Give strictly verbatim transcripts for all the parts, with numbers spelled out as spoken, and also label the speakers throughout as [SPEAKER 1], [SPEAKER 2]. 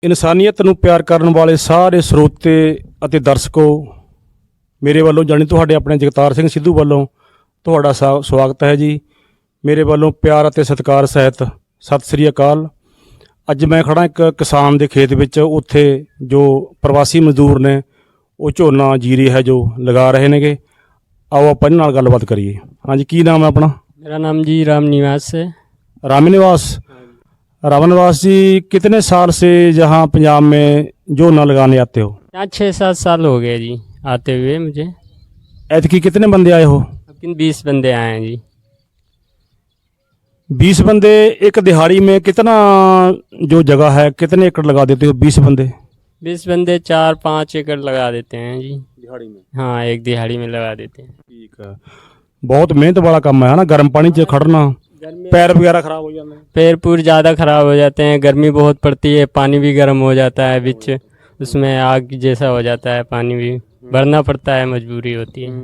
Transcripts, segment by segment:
[SPEAKER 1] ਇਨਸਾਨੀਅਤ ਨੂੰ ਪਿਆਰ ਕਰਨ ਵਾਲੇ ਸਾਰੇ ਸਰੋਤੇ ਅਤੇ ਦਰਸ਼ਕੋ, ਮੇਰੇ ਵੱਲੋਂ ਜਾਣੀ ਤੁਹਾਡੇ ਆਪਣੇ ਜਗਤਾਰ ਸਿੰਘ ਸਿੱਧੂ ਵੱਲੋਂ ਤੁਹਾਡਾ ਸਾ- ਸਵਾਗਤ ਹੈ ਜੀ। ਮੇਰੇ ਵੱਲੋਂ ਪਿਆਰ ਅਤੇ ਸਤਿਕਾਰ ਸਹਿਤ ਸਤਿ ਸ੍ਰੀ ਅਕਾਲ। ਅੱਜ ਮੈਂ ਖੜਾ ਇੱਕ ਕਿਸਾਨ ਦੇ ਖੇਤ ਵਿੱਚ। ਉੱਥੇ ਜੋ ਪ੍ਰਵਾਸੀ ਮਜ਼ਦੂਰ ਨੇ ਉਹ ਝੋਨਾ ਜੀਰੀ ਹੈ ਜੋ ਲਗਾ ਰਹੇ ਨੇਗੇ। ਆਓ ਆਪਾਂ ਇਹਨਾਂ ਨਾਲ ਗੱਲਬਾਤ ਕਰੀਏ। ਹਾਂਜੀ, ਕੀ ਨਾਮ ਹੈ ਆਪਣਾ?
[SPEAKER 2] मेरा नाम जी राम निवास है।
[SPEAKER 1] राम निवास। राम निवास जी, कितने साल से यहाँ पंजाब में ਝੋਨਾ लगाने आते हो?
[SPEAKER 2] यहाँ छः सात साल हो गए जी आते हुए मुझे।
[SPEAKER 1] ऐतकी कितने बंदे आए हो?
[SPEAKER 2] लेकिन बीस बंदे आए हैं जी।
[SPEAKER 1] बीस बंदे एक दिहाड़ी में कितना जो जगह है कितने एकड़ लगा देते हो? बीस बंदे
[SPEAKER 2] बीस बंदे चार पाँच एकड़ लगा देते हैं जी
[SPEAKER 1] दिहाड़ी में?
[SPEAKER 2] हाँ, एक दिहाड़ी में लगा देते हैं।
[SPEAKER 1] ठीक है। बहुत मेहनत वाला काम है ना, गर्म पानी च खड़ना, पैर वगैरह खराब हो जाते हैं।
[SPEAKER 2] पैर पूर ज़्यादा ख़राब हो जाते हैं, गर्मी बहुत पड़ती है, पानी भी गर्म हो जाता है, बीच उसमें आग जैसा हो जाता है, पानी भी भरना पड़ता है, मजबूरी होती है।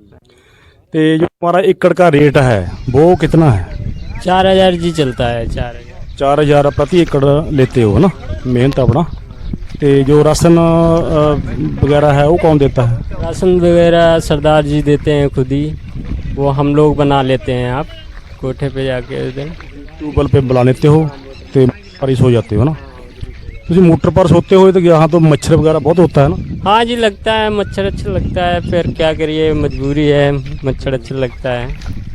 [SPEAKER 1] तो जो हमारा एकड़ का रेट है वो कितना है?
[SPEAKER 2] चार हज़ार जी चलता है। चार हज़ार
[SPEAKER 1] चार हज़ार प्रति एकड़ लेते हो ना, मेहनत अपना। तो जो राशन अ, वगैरह है वो कौन देता है?
[SPEAKER 2] राशन वगैरह सरदार जी देते हैं खुद ही, वो हम लोग बना लेते हैं। आप कोठे पे जाके उधर
[SPEAKER 1] ट्यूबवेल पे बुला लेते हो तो पर ही सो जाते हो ना? तुम मोटर पर सोते हो तो यहाँ तो मच्छर वगैरह बहुत होता है ना?
[SPEAKER 2] हाँ जी, लगता है मच्छर अच्छा लगता है, फिर क्या करिए, मजबूरी है, मच्छर अच्छा लगता है।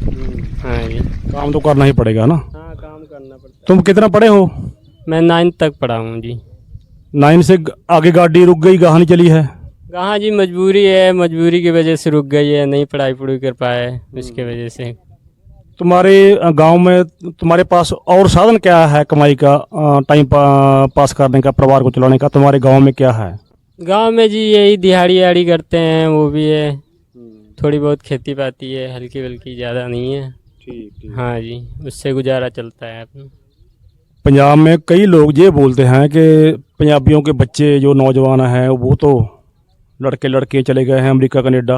[SPEAKER 2] हाँ जी,
[SPEAKER 1] काम तो करना ही पड़ेगा ना।
[SPEAKER 2] हाँ काम करना पड़ता
[SPEAKER 1] तुम कितना पढ़े हो?
[SPEAKER 2] है। मैं नाइन्थ तक पढ़ा हूँ जी।
[SPEAKER 1] नाइन से आगे गाड़ी रुक गई, गाह नहीं चली है?
[SPEAKER 2] कहाँ जी, मजबूरी है, मजबूरी की वजह से रुक गई है, नहीं पढ़ाई पढ़ाई कर पाए उसके वजह से।
[SPEAKER 1] तुम्हारे गांव में तुम्हारे पास और साधन क्या है कमाई का, अ, टाइम पा, पास करने का, परिवार को चलाने का? तुम्हारे गांव में क्या है?
[SPEAKER 2] गांव में जी यही दिहाड़ी आड़ी करते हैं, वो भी है, थोड़ी बहुत खेती पाती है, हल्की बल्कि, ज़्यादा नहीं है।
[SPEAKER 1] ठीक।
[SPEAKER 2] हाँ जी, उससे गुजारा चलता है अपना।
[SPEAKER 1] पंजाब में कई लोग ये बोलते हैं कि पंजाबियों के बच्चे जो नौजवान हैं वो तो लड़के लड़के चले गए हैं अमेरिका कनाडा,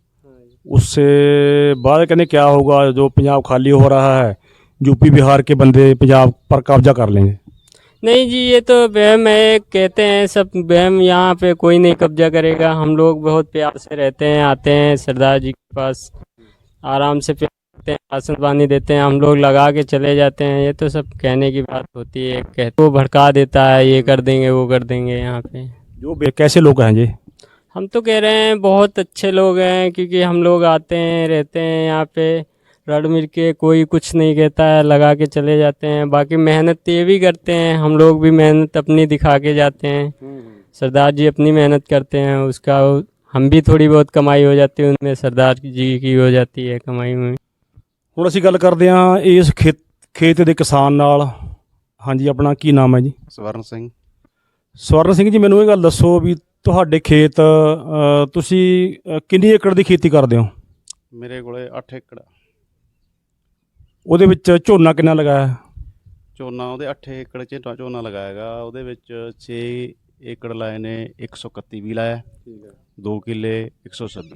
[SPEAKER 1] उससे बाद कहने क्या होगा, जो पंजाब खाली हो रहा है यूपी बिहार के बंदे पंजाब पर कब्जा कर लेंगे।
[SPEAKER 2] नहीं जी, ये तो वहम है, कहते हैं सब वहम। यहाँ पे कोई नहीं कब्जा करेगा, हम लोग बहुत प्यार से रहते हैं, आते हैं सरदार जी के पास, आराम से प्यार करते हैं, राशन पानी देते हैं, हम लोग लगा के चले जाते हैं। ये तो सब कहने की बात होती है, कहते वो भड़का देता है, ये कर देंगे वो कर देंगे। यहाँ पे
[SPEAKER 1] जो बे- कैसे लोग हैं जी?
[SPEAKER 2] हम तो कह रहे हैं बहुत अच्छे लोग हैं, क्योंकि हम लोग आते हैं, रहते हैं यहाँ पे, रड़ मिल के, कोई कुछ नहीं कहता है, लगा के चले जाते हैं। बाकी मेहनत ये भी करते हैं, हम लोग भी मेहनत अपनी दिखा के जाते हैं। सरदार जी अपनी मेहनत करते हैं, उसका हम भी थोड़ी बहुत कमाई हो जाती है, उनमें सरदार जी की हो जाती है कमाई में।
[SPEAKER 1] ਹੁਣ ਅਸੀਂ ਗੱਲ ਕਰਦੇ ਹਾਂ ਇਸ ਖੇਤ ਖੇਤ ਦੇ ਕਿਸਾਨ ਨਾਲ। ਹਾਂਜੀ, ਆਪਣਾ ਕੀ ਨਾਮ ਹੈ ਜੀ?
[SPEAKER 3] ਸਵਰਨ ਸਿੰਘ।
[SPEAKER 1] ਸਵਰਨ ਸਿੰਘ ਜੀ, ਮੈਨੂੰ ਇਹ ਗੱਲ ਦੱਸੋ ਵੀ ਤੁਹਾਡੇ ਖੇਤ ਅ, ਤੁਸੀਂ ਅ, ਕਿੰਨੀ ਏਕੜ ਦੀ ਖੇਤੀ ਕਰਦੇ ਹੋ?
[SPEAKER 3] ਮੇਰੇ ਕੋਲੇ ਅੱਠ ਏਕੜ ਆ।
[SPEAKER 1] ਉਹਦੇ ਵਿੱਚ ਝੋਨਾ ਕਿੰਨਾ ਲਗਾਇਆ ਹੈ?
[SPEAKER 3] ਝੋਨਾ ਉਹਦੇ ਅੱਠ ਏਕੜ 'ਚ ਝੋ- ਝੋਨਾ ਲਗਾਇਆ ਹੈਗਾ। ਉਹਦੇ ਵਿੱਚ ਛੇ ਏਕੜ ਲਾਏ ਨੇ ਇੱਕ ਸੌ ਇਕੱਤੀ ਵੀ ਲਾਇਆ।
[SPEAKER 1] ਠੀਕ ਹੈ।
[SPEAKER 3] ਦੋ ਕਿੱਲੇ ਇੱਕ ਸੌ ਛੱਬੀ।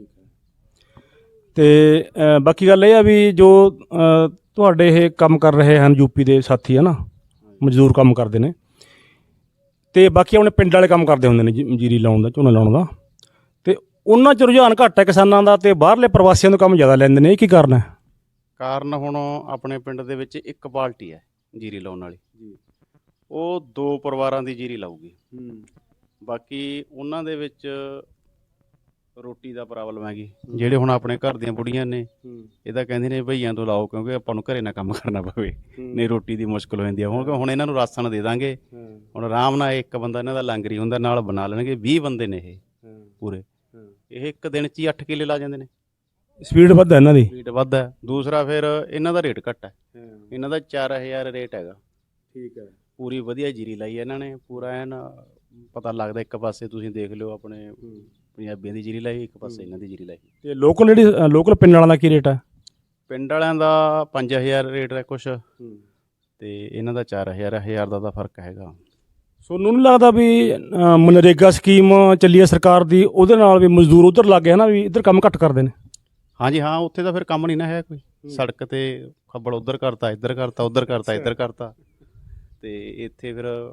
[SPEAKER 1] ਤੇ ਅ, ਬਾਕੀ ਗੱਲ ਇਹ ਆ ਵੀ ਜੋ ਅ, ਤੁਹਾਡੇ ਇਹ ਕੰਮ ਕਰ ਰਹੇ ਹਨ ਯੂਪੀ ਦੇ ਸਾਥੀ ਹੈ ਨਾ, ਮਜ਼ਦੂਰ ਕੰਮ ਕਰਦੇ ਨੇ, ਤੇ ਬਾਕੀ ਆਪਣੇ ਪਿੰਡ ਵਾਲੇ ਕੰਮ ਕਰਦੇ ਹੁੰਦੇ ਨੇ ਜੀ- ਜੀਰੀ ਲਾਉਣ ਦਾ, ਝੋਨਾ ਲਾਉਣ ਦਾ, ਤੇ ਉਹਨਾਂ 'ਚ ਰੁਝਾਨ ਘੱਟ ਹੈ ਕਿਸਾਨਾਂ ਦਾ, ਤੇ ਬਾਹਰਲੇ ਪ੍ਰਵਾਸੀਆਂ ਤੋਂ ਕੰਮ ਜ਼ਿਆਦਾ ਲੈਂਦੇ ਨੇ। ਇਹ ਕੀ ਕਾਰਨ ਹੈ?
[SPEAKER 3] ਕਾਰਨ ਹੁਣ ਆਪਣੇ ਪਿੰਡ ਦੇ ਵਿੱਚ ਇੱਕ ਪਾਰਟੀ ਹੈ ਜੀਰੀ ਲਾਉਣ ਵਾਲੀ, ਉਹ ਦੋ ਪਰਿਵਾਰਾਂ ਦੀ ਜੀਰੀ ਲਾਊਗੀ। ਬਾਕੀ ਉਹਨਾਂ ਦੇ ਵਿੱਚ ਰੋਟੀ ਦਾ ਪ੍ਰੋਬਲਮ ਹੈਗੀ। ਜਿਹੜੇ ਹੁਣ ਆਪਣੇ ਘਰ ਦੀਆਂ ਬੁੜੀਆਂ ਨੇ ਇਹ ਤਾਂ ਕਹਿੰਦੇ ਨੇ ਭਈਆਂ ਤੋਂ ਲਾਓ, ਕਿਉਂਕਿ ਆਪਾਂ ਨੂੰ ਘਰੇ ਨਾ ਕੰਮ ਕਰਨਾ ਪਵੇ, ਨਹੀਂ ਰੋਟੀ ਦੀ ਮੁਸ਼ਕਲ ਹੋ ਜਾਂਦੀ ਆ। ਹੁਣ ਹੁਣ ਇਹਨਾਂ ਨੂੰ ਰਾਸ਼ਨ ਦੇ ਦਾਂਗੇ, ਹੁਣ ਆਰਾਮ ਨਾਲ ਇੱਕ ਬੰਦਾ ਇਹਨਾਂ ਦਾ ਲਾਂਗਰੀ ਹੁੰਦਾ, ਨਾਲ ਬਣਾ ਲੈਣਗੇ। ਵੀਹ ਬੰਦੇ ਨੇ ਇਹ ਪੂਰੇ, ਇਹ ਇੱਕ ਦਿਨ 'ਚ ਹੀ ਅੱਠ ਕਿੱਲੇ ਲਾ ਜਾਂਦੇ ਨੇ।
[SPEAKER 1] ਸਪੀਡ ਵੱਧ ਹੈ ਇਹਨਾਂ ਦੀ?
[SPEAKER 3] ਰੇਟ ਵੱਧ ਹੈ। ਦੂਸਰਾ ਫਿਰ ਇਹਨਾਂ ਦਾ ਰੇਟ ਘੱਟ ਹੈ, ਇਹਨਾਂ ਦਾ ਚਾਰ ਹਜ਼ਾਰ ਰੇਟ ਹੈਗਾ।
[SPEAKER 1] ਠੀਕ ਹੈ।
[SPEAKER 3] ਪੂਰੀ ਵਧੀਆ ਜੀਰੀ ਲਾਈ ਹੈ ਇਹਨਾਂ ਨੇ, ਪੂਰਾ ਐਨ ਪਤਾ ਲੱਗਦਾ। ਇੱਕ ਪਾਸੇ ਤੁਸੀਂ ਦੇਖ ਲਿਓ ਆਪਣੇ ਪੰਜਾਬੀਆਂ ਦੀ ਜੀਰੀ ਲਾਈ, ਇੱਕ ਪਾਸੇ ਇਹਨਾਂ ਦੀ ਜੀਰੀ ਲਾਈ।
[SPEAKER 1] ਤੇ ਲੋਕਲ ਜਿਹੜੀ ਲੋਕਲ ਪਿੰਡ ਵਾਲਿਆਂ ਦਾ ਕੀ ਰੇਟ ਹੈ?
[SPEAKER 3] ਪਿੰਡ ਵਾਲਿਆਂ ਦਾ ਪੰਜ ਹਜ਼ਾਰ ਰੇਟ ਹੈ ਕੁਛ, ਤੇ ਇਹਨਾਂ ਦਾ ਚਾਰ ਹਜ਼ਾਰ ਹਜ਼ਾਰ ਦਾ ਤਾਂ ਫਰਕ ਹੈਗਾ।
[SPEAKER 1] ਤੁਹਾਨੂੰ ਨਹੀਂ ਲੱਗਦਾ ਵੀ ਅ, ਮਨਰੇਗਾ ਸਕੀਮ ਚੱਲੀ ਹੈ ਸਰਕਾਰ ਦੀ, ਉਹਦੇ ਨਾਲ ਵੀ ਮਜ਼ਦੂਰ ਉੱਧਰ ਲੱਗ ਗਏ ਨਾ, ਵੀ ਇੱਧਰ ਕੰਮ ਘੱਟ ਕਰਦੇ ਨੇ?
[SPEAKER 3] ਹਾਂਜੀ ਹਾਂ, ਉੱਥੇ ਤਾਂ ਫਿਰ ਕੰਮ ਨਹੀਂ ਨਾ ਹੈ ਕੋਈ। ਸੜਕ ਤੇ ਖੱਬਲ ਉੱਧਰ ਕਰਤਾ, ਇੱਧਰ ਕਰਤਾ, ਉੱਧਰ ਕਰਤਾ, ਇੱਧਰ ਕਰਤਾ, ਤੇ ਇੱਥੇ ਫਿਰ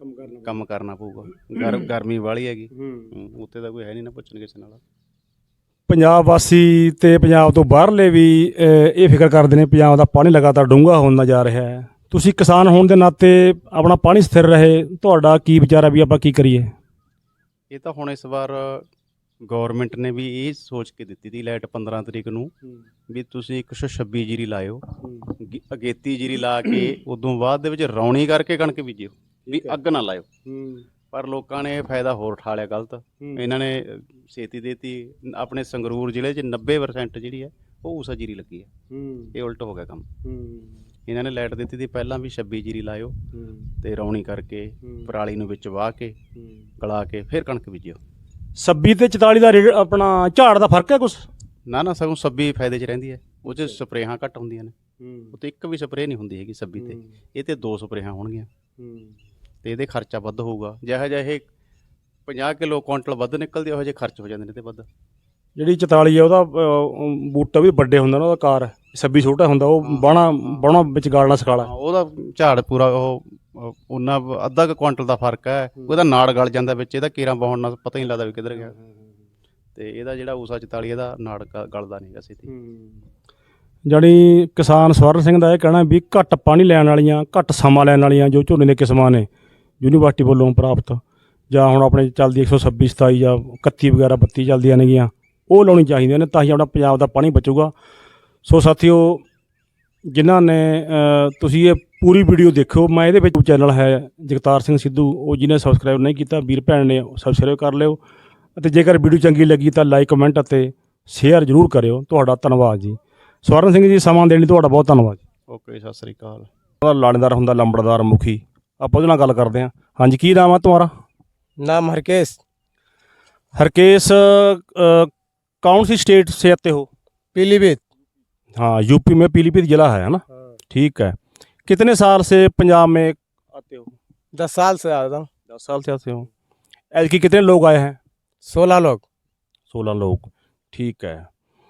[SPEAKER 1] ਕੰਮ ਕਰਨਾ
[SPEAKER 3] ਕੰਮ ਕਰਨਾ ਪਊਗਾ। ਗਰ ਗਰਮੀ ਵਾਲੀ ਹੈਗੀ,
[SPEAKER 1] ਹੂੰ।
[SPEAKER 3] ਹੂੰ, ਉੱਥੇ ਤਾਂ ਕੋਈ ਹੈ ਨਹੀਂ ਨਾ ਪੁੱਛਣ ਕਿਸੇ ਨਾਲ।
[SPEAKER 1] ਪੰਜਾਬ ਵਾਸੀ ਤੇ ਪੰਜਾਬ ਤੋਂ ਬਾਹਰਲੇ ਵੀ ਅਹ, ਇਹ ਫਿਕਰ ਕਰਦੇ ਨੇ ਪੰਜਾਬ ਦਾ ਪਾਣੀ ਲਗਾਤਾਰ ਡੂੰਘਾ ਹੁੰਦਾ ਜਾ ਰਿਹਾ ਹੈ। ਤੁਸੀਂ ਕਿਸਾਨ ਹੋਣ ਦੇ ਨਾਤੇ ਆਪਣਾ ਪਾਣੀ ਸਥਿਰ ਰਹੇ, ਤੁਹਾਡਾ ਕੀ ਵਿਚਾਰ ਹੈ ਵੀ ਆਪਾਂ ਕੀ ਕਰੀਏ?
[SPEAKER 3] ਇਹ ਤਾਂ ਹੁਣ ਇਸ ਵਾਰ ਗਵਰਨਮੈਂਟ ਨੇ ਵੀ ਇਹ ਸੋਚ ਕੇ ਦਿੱਤੀ ਤੀ ਲਾਈਟ ਪੰਦਰਾਂ ਤਰੀਕ ਨੂੰ ਵੀ ਤੁਸੀਂ ਇੱਕ ਸੌ ਛੱਬੀ ਜੀਰੀ ਲਾਇਓ, ਗ- ਅਗੇਤੀ ਜੀਰੀ ਲਾ ਕੇ ਉਦੋਂ ਬਾਅਦ ਦੇ ਵਿੱਚ ਰੌਣੀ ਕਰਕੇ ਕਣਕ ਬੀਜਿਓ, ਵੀ ਅੱਗ ਨਾ ਲਾਇਓ। ਪਰ ਲੋਕਾਂ ਨੇ ਇਹ ਫਾਇਦਾ ਹੋਰ ਉਠਾ ਲਿਆ ਗਲਤ। ਇਹਨਾਂ ਨੇ ਅ, ਛੇਤੀ ਦੇਤੀ। ਆਪਣੇ ਸੰਗਰੂਰ ਜ਼ਿਲ੍ਹੇ 'ਚ ਨੱਬੇ ਪਰਸੈਂਟ ਜਿਹੜੀ ਹੈ ਉਹ ਊਸਾ ਜੀਰੀ ਲੱਗੀ ਹੈ। ਇਹ ਉਲਟ ਹੋ ਗਿਆ ਕੰਮ। ਇਹਨਾਂ ਨੇ ਲਾਈਟ ਦਿੱਤੀ ਤੀ ਪਹਿਲਾਂ ਵੀ ਛੱਬੀ ਜੀਰੀ ਲਾਇਓ ਤੇ ਰੌਣੀ ਕਰਕੇ ਪਰਾਲੀ ਨੂੰ ਵਿੱਚ ਵਾਹ ਕੇ ਗਲਾ ਕੇ ਫਿਰ ਕਣਕ ਬੀਜਿਓ।
[SPEAKER 1] ਛੱਬੀ ਤੇ ਚੁਤਾਲੀ ਦਾ ਰੇਟ ਆਪਣਾ ਝਾੜ ਦਾ ਫਰਕ ਹੈ ਕੁਛ?
[SPEAKER 3] ਨਾ ਨਾ, ਸਗੋਂ ਛੱਬੀ ਫਾਇਦੇ 'ਚ ਰਹਿੰਦੀ ਹੈ। ਉਹ 'ਚ ਸਪਰੇਹਾਂ ਘੱਟ ਹੁੰਦੀਆਂ ਨੇ, ਉਹ ਤੇ ਇੱਕ ਵੀ ਸਪਰੇਅ ਨਹੀਂ ਹੁੰਦੀ ਹੈਗੀ ਛੱਬੀ ਤੇ। ਇਹ ਤੇ ਦੋ ਸਪਰੇਹਾਂ ਹੋਣਗੀਆਂ ਤੇ ਇਹਦੇ ਖਰਚਾ ਵੱਧ ਹੋਊਗਾ। ਜਿਹੋ ਜਿਹਾ ਇਹ ਪੰਜਾਹ ਕਿਲੋ ਕੁਇੰਟਲ ਵੱਧ ਨਿਕਲਦੀ, ਉਹੋ ਜਿਹੇ ਖਰਚ ਹੋ ਜਾਂਦੇ ਨੇ ਤੇ ਵੱਧ।
[SPEAKER 1] ਜਿਹੜੀ ਚੁਤਾਲੀ ਹੈ ਉਹਦਾ ਅਹ, ਬੂਟਾ ਵੀ ਵੱਡੇ ਹੁੰਦਾ ਨਾ, ਉਹਦਾ ਕਾਰ ਛੱਬੀ ਛੋਟਾ ਹੁੰਦਾ, ਉਹ ਬਾਣਾ ਬਾਣਾ ਵਿੱਚ ਗਾਲਣਾ ਸਕਾਲਾ।
[SPEAKER 3] ਹਾਂ, ਉਹਦਾ ਝਾੜ ਪੂਰਾ ਉਹ ਉਹ ਉਹਨਾਂ ਅੱਧਾ ਕੁ ਕੁਇੰਟਲ ਦਾ ਫਰਕ ਹੈ। ਉਹਦਾ ਨਾੜ ਗਲ ਜਾਂਦਾ ਵਿੱਚ, ਇਹਦਾ ਕੇਰਾਂ ਪਾਉਣ ਨਾਲ ਪਤਾ ਹੀ ਨਹੀਂ ਲੱਗਦਾ ਵੀ ਕਿੱਧਰ ਗਿਆ। ਤੇ ਇਹਦਾ ਜਿਹੜਾ ਊਸਾ ਚੁਤਾਲੀ ਇਹਦਾ ਨਾੜ ਗ- ਗਲਦਾ ਨਹੀਂ ਗਾ ਛੇਤੀ।
[SPEAKER 1] ਜਾਣੀ ਕਿਸਾਨ ਸਵਰਨ ਸਿੰਘ ਦਾ ਇਹ ਕਹਿਣਾ ਵੀ ਘੱਟ ਪਾਣੀ ਲੈਣ ਵਾਲੀਆਂ, ਘੱਟ ਸਮਾਂ ਲੈਣ ਵਾਲੀਆਂ ਜੋ ਝੋਨੇ ਦੀਆਂ ਕਿਸਮਾਂ ਨੇ ਯੂਨੀਵਰਸਿਟੀ ਵੱਲੋਂ ਪ੍ਰਾਪਤ, ਜਾਂ ਹੁਣ ਆਪਣੇ ਚੱਲਦੀ ਇੱਕ ਸੌ ਛੱਬੀ ਸਤਾਈ ਜਾਂ ਇਕੱਤੀ ਵਗੈਰਾ ਬੱਤੀ ਚੱਲਦੀਆਂ ਨੇਗੀਆਂ, ਉਹ ਲਾਉਣੀ ਚਾਹੀਦੀਆਂ ਨੇ, ਤਾਂ ਹੀ ਆਪਣਾ ਪੰਜਾਬ ਦਾ ਪਾਣੀ ਬਚੂਗਾ। ਸੋ ਸਾਥੀਓ, ਜਿਨ੍ਹਾਂ ਨੇ ਅ, ਤੁਸੀਂ ਇਹ ਪੂਰੀ ਵੀਡੀਓ ਦੇਖਿਓ। ਮੈਂ ਇਹਦੇ ਵਿੱਚ ਚੈਨਲ ਹੈ ਜਗਤਾਰ ਸਿੰਘ ਸਿੱਧੂ, ਉਹ ਜਿਹਨੇ ਸਬਸਕ੍ਰਾਈਬ ਨਹੀਂ ਕੀਤਾ ਵੀਰ ਭੈਣ ਨੇ ਸਬਸਕ੍ਰਾਈਬ ਕਰ ਲਿਓ। ਅਤੇ ਜੇਕਰ ਵੀਡੀਓ ਚੰਗੀ ਲੱਗੀ ਤਾਂ ਲਾਈਕ ਕਮੈਂਟ ਅਤੇ ਸ਼ੇਅਰ ਜ਼ਰੂਰ ਕਰਿਓ। ਤੁਹਾਡਾ ਧੰਨਵਾਦ ਜੀ। ਸਵਰਨ ਸਿੰਘ ਜੀ, ਸਮਾਂ ਦੇਣ ਲਈ ਤੁਹਾਡਾ ਬਹੁਤ ਧੰਨਵਾਦ।
[SPEAKER 3] ਓਕੇ, ਸਤਿ ਸ੍ਰੀ ਅਕਾਲ।
[SPEAKER 1] ਉਹਦਾ ਲਾਣੇਦਾਰ ਹੁੰਦਾ ਲੰਬੜਦਾਰ ਮੁਖੀ, ਆਪਾਂ ਉਹਦੇ ਨਾਲ ਗੱਲ ਕਰਦੇ ਹਾਂ। ਹਾਂਜੀ, ਕੀ ਨਾਮ ਹੈ ਤੁਹਾਡਾ?
[SPEAKER 4] नाम हरकेश।
[SPEAKER 1] हरकेश, अ, कौन सी स्टेट से आते हो?
[SPEAKER 4] पीलीभीत।
[SPEAKER 1] हाँ, यूपी में पीलीभीत जिला है ना? ठीक है। कितने साल से पंजाब में आते हो?
[SPEAKER 4] दस साल से आ रहा हूँ।
[SPEAKER 1] दस साल से आते हो। ऐसे कितने लोग आए हैं?
[SPEAKER 4] सोलह लोग।
[SPEAKER 1] सोलह लोग, ठीक है।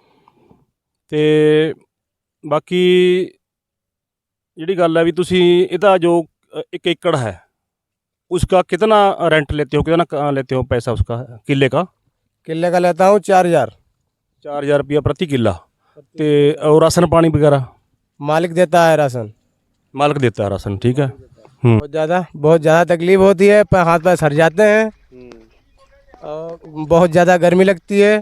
[SPEAKER 1] ਤੇ ਬਾਕੀ ਜਿਹੜੀ ਗੱਲ ਹੈ ਵੀ ਤੁਸੀਂ ਇਹਦਾ ਜੋ अ, एक एकड़ है उसका कितना रेंट लेते हो, कितना क- लेते हो पैसा उसका किले का?
[SPEAKER 4] किले का लेता हूँ चार हजार।
[SPEAKER 1] चार हजार रुपया प्रति किला। ते और राशन पानी वगैरह
[SPEAKER 4] मालिक देता है राशन।
[SPEAKER 1] मालिक देता है राशन, ठीक है। हम्म
[SPEAKER 4] बहुत ज़्यादा बहुत ज़्यादा तकलीफ होती है, पर हाथ पैर सर जाते हैं और बहुत ज़्यादा गर्मी लगती है।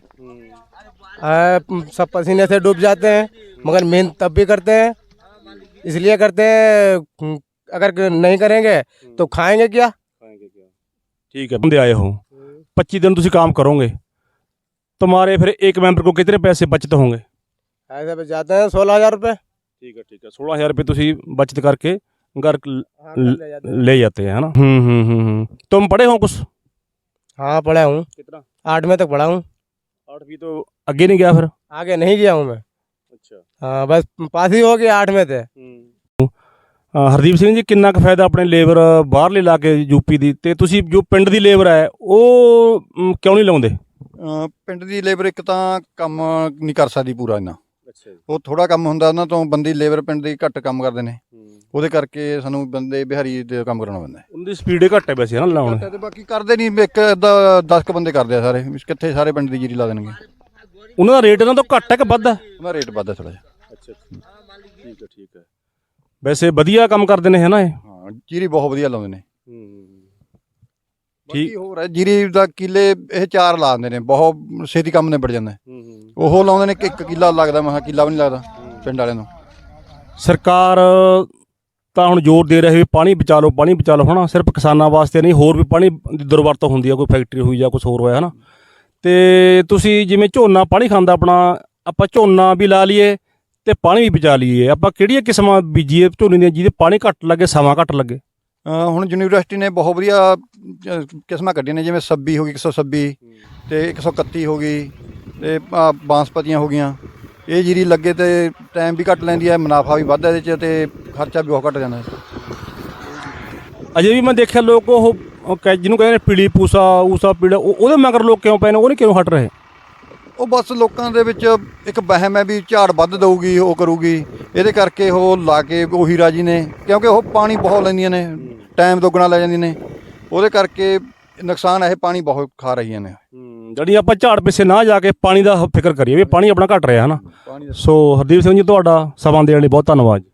[SPEAKER 4] आ, सब पसीने से डूब जाते हैं, मगर मेहनत तब भी करते हैं। इसलिए करते हैं, अगर नहीं करेंगे तो खाएंगे क्या।
[SPEAKER 1] ठीक है। बंदे आए हो, पच्चीस दिन तुम काम करोगे, तुम्हारे फिर एक मेंबर को कितने पैसे बचत होंगे?
[SPEAKER 4] ऐसे बच जाते हैं सोलह हजार रुपये।
[SPEAKER 1] ठीक है, ठीक है। सोलह हजार रुपये तुम बचत करके घर ल-
[SPEAKER 4] हाँ, ले जाते हैं।
[SPEAKER 1] ले जाते हैं, है ना? हम्म हम्म हम्म हम्म। तुम पढ़े हो कुछ?
[SPEAKER 4] हाँ, पढ़ा हूँ।
[SPEAKER 1] कितना?
[SPEAKER 4] आठवीं तक पढ़ा हूँ।
[SPEAKER 1] आठवीं तो आगे नहीं गया फिर?
[SPEAKER 4] आगे नहीं गया हूँ मैं।
[SPEAKER 1] अच्छा।
[SPEAKER 4] हाँ, बस पास ही हो गया आठवें से।
[SPEAKER 1] ਹਰਦੀਪ ਸਿੰਘ ਜੀ, ਕਿੰਨਾ ਕੁ ਫਾਇਦਾ ਆਪਣੇ ਲੇਬਰ ਬਾਹਰਲੇ ਲਾ ਕੇ ਯੂਪੀ ਦੀ, ਤੇ ਤੁਸੀਂ ਜੋ ਪਿੰਡ ਦੀ ਲੇਬਰ ਹੈ ਉਹ ਮ, ਕਿਉਂ ਨਹੀਂ ਲਾਉਂਦੇ?
[SPEAKER 5] ਅ, ਪਿੰਡ ਦੀ ਲੇਬਰ ਇੱਕ ਤਾਂ ਕੰਮ ਨਹੀਂ ਕਰ ਸਕਦੀ ਪੂਰਾ ਇੰਨਾ,
[SPEAKER 1] ਅੱਛਾ ਜੀ।
[SPEAKER 5] ਉਹ ਥੋੜਾ ਕੰਮ ਹੁੰਦਾ ਉਹਨਾਂ ਤੋਂ, ਬੰਦੀ ਲੇਬਰ ਪਿੰਡ ਦੀ ਘੱਟ ਕੰਮ ਕਰਦੇ ਨੇ, ਉਹਦੇ ਕਰਕੇ ਸਾਨੂੰ ਬੰਦੇ ਬਿਹਾਰੀ ਦੇ ਕੰਮ ਕਰਾਉਣਾ ਪੈਂਦਾ ਹੈ।
[SPEAKER 1] ਉਹਦੀ ਸਪੀਡ ਘੱਟ ਹੈ ਵੈਸੇ, ਹੈ ਨਾ ਲਾਉਣ?
[SPEAKER 5] ਤੇ ਬਾਕੀ ਕਰਦੇ ਨਹੀਂ, ਇੱਕ ਅੱਧਾ ਦਸ ਕੁ ਬੰਦੇ ਕਰਦੇ ਆ ਸਾਰੇ, ਵੀ ਕਿੱਥੇ ਸਾਰੇ ਪਿੰਡ ਦੀ ਜੀਰੀ ਲਾ ਦੇਣਗੇ।
[SPEAKER 1] ਉਹਨਾਂ ਦਾ ਰੇਟ ਇਹਨਾਂ ਤੋਂ ਘੱਟ ਹੈ ਕਿ ਵੱਧ ਹੈ?
[SPEAKER 5] ਉਹਦਾ ਰੇਟ ਵੱਧ ਹੈ ਥੋੜਾ ਜਿਹਾ।
[SPEAKER 1] ਅੱਛਾ, ਠੀਕ ਹੈ, ਠੀਕ ਹੈ। ਵੈਸੇ ਵਧੀਆ ਕੰਮ ਕਰਦੇ ਨੇ, ਹੈ ਨਾ ਇਹ?
[SPEAKER 5] ਹਾਂ, ਜੀਰੀ ਬਹੁਤ ਵਧੀਆ ਲਾਉਂਦੇ ਨੇ।
[SPEAKER 1] ਠੀਕ।
[SPEAKER 5] ਬਾਕੀ ਹੋਰ ਹੈ, ਜੀਰੀ ਦਾ ਕਿੱਲੇ ਇਹ ਚਾਰ ਲਾ ਦਿੰਦੇ ਨੇ, ਬਹੁਤ ਛੇਤੀ ਕੰਮ ਨਿਬੜ ਜਾਂਦਾ ਹੈ। ਉਹ ਲਾਉਂਦੇ ਨੇ ਕਿ ਇੱਕ ਕਿੱਲਾ ਲੱਗਦਾ, ਮੈਂ ਕਿਹਾ ਕਿੱਲਾ ਵੀ ਨਹੀਂ ਲੱਗਦਾ ਪਿੰਡ ਵਾਲਿਆਂ ਨੂੰ।
[SPEAKER 1] ਸਰਕਾਰ ਤਾਂ ਹੁਣ ਜ਼ੋਰ ਦੇ ਰਹੀ ਵੀ ਪਾਣੀ ਬਚਾ ਲਓ, ਪਾਣੀ ਬਚਾ ਲਓ, ਹੈ ਨਾ? ਸਿਰਫ ਕਿਸਾਨਾਂ ਵਾਸਤੇ ਨਹੀਂ, ਹੋਰ ਵੀ ਪਾਣੀ ਦੀ ਦੁਰਵਰਤੋਂ ਹੁੰਦੀ ਆ, ਕੋਈ ਫੈਕਟਰੀ ਹੋਈ ਜਾਂ ਕੁਝ ਹੋਰ ਹੋਇਆ, ਹੈ ਨਾ? ਤੇ ਤੁਸੀਂ ਜਿਵੇਂ ਝੋਨਾ ਪਾਣੀ ਖਾਂਦਾ ਆਪਣਾ, ਆਪਾਂ ਝੋਨਾ ਵੀ ਲਾ ਲਈਏ ਤੇ ਪਾਣੀ ਵੀ ਬਚਾ ਲਈਏ, ਆਪਾਂ ਕਿਹੜੀਆਂ ਕਿਸਮਾਂ ਬੀਜੀਏ ਝੋਨੇ ਦੀਆਂ ਜਿਹਦੇ ਪਾਣੀ ਘੱਟ ਲੱਗੇ, ਸਮਾਂ ਘੱਟ ਲੱਗੇ?
[SPEAKER 5] ਅ, ਹੁਣ ਯੂਨੀਵਰਸਿਟੀ ਨੇ ਬਹੁਤ ਵਧੀਆ ਅ, ਕਿਸਮਾਂ ਕੱਢੀਆਂ ਨੇ, ਜਿਵੇਂ ਛੱਬੀ ਹੋ ਗਈ, ਇੱਕ ਸੌ ਛੱਬੀ ਤੇ ਇੱਕ ਸੌ ਇਕੱਤੀ ਹੋ ਗਈ, ਤੇ ਆਹ ਬਾਂਸਪਤੀਆਂ ਹੋ ਗਈਆਂ। ਇਹ ਜੀਰੀ ਲੱਗੇ ਤੇ ਟਾਈਮ ਵੀ ਘੱਟ ਲੈਂਦੀ ਹੈ, ਮੁਨਾਫਾ ਵੀ ਵੱਧਦਾ ਇਹਦੇ 'ਚ, ਤੇ ਖਰਚਾ ਵੀ ਬਹੁਤ ਘੱਟ ਜਾਂਦਾ ਹੈ।
[SPEAKER 1] ਅਜੇ ਵੀ ਮੈਂ ਦੇਖਿਆ ਲੋਕ ਉਹ ਉਹ ਕਹਿ- ਜਿਹਨੂੰ ਕਹਿੰਦੇ ਨੇ ਪੀਲੀ ਪੂਸਾ ਊਸਾ ਪੀੜਾ, ਉਹ- ਉਹਦੇ ਮਗਰ ਲੋਕ ਕਿਉਂ ਪਏ ਨੇ, ਉਹ ਨਹੀਂ ਕਿਉਂ ਹਟ ਰਹੇ?
[SPEAKER 5] ਉਹ ਬਸ ਲੋਕਾਂ ਦੇ ਵਿੱਚ ਇੱਕ ਵਹਿਮ ਹੈ ਵੀ ਝਾੜ ਵੱਧ ਦਊਗੀ, ਉਹ ਕਰੂਗੀ, ਇਹਦੇ ਕਰਕੇ ਉਹ ਲਾ ਕੇ ਉਹੀ ਰਾਜੀ ਨੇ, ਕਿਉਂਕਿ ਉਹ ਪਾਣੀ ਬਹੁਤ ਲੈਂਦੀਆਂ ਨੇ, ਟਾਈਮ ਦੁੱਗਣਾ ਲੈ ਜਾਂਦੀਆਂ ਨੇ। ਉਹਦੇ ਕਰਕੇ ਨੁਕਸਾਨ ਇਹ ਪਾਣੀ ਬਹੁਤ ਖਾ ਰਹੀਆਂ ਨੇ।
[SPEAKER 1] ਜਿਹੜੀ ਆਪਾਂ ਝਾੜ ਪਿੱਛੇ ਨਾ ਜਾ ਕੇ ਪਾਣੀ ਦਾ ਫਿਕਰ ਕਰੀਏ ਵੀ ਪਾਣੀ ਆਪਣਾ ਘਟ ਰਿਹਾ ਹੈ ਨਾ।
[SPEAKER 5] ਪਾਣੀ
[SPEAKER 1] ਸੋ ਹਰਦੀਪ ਸਿੰਘ ਜੀ ਤੁਹਾਡਾ ਸਮਾਂ ਦੇਣ ਲਈ ਬਹੁਤ ਧੰਨਵਾਦ।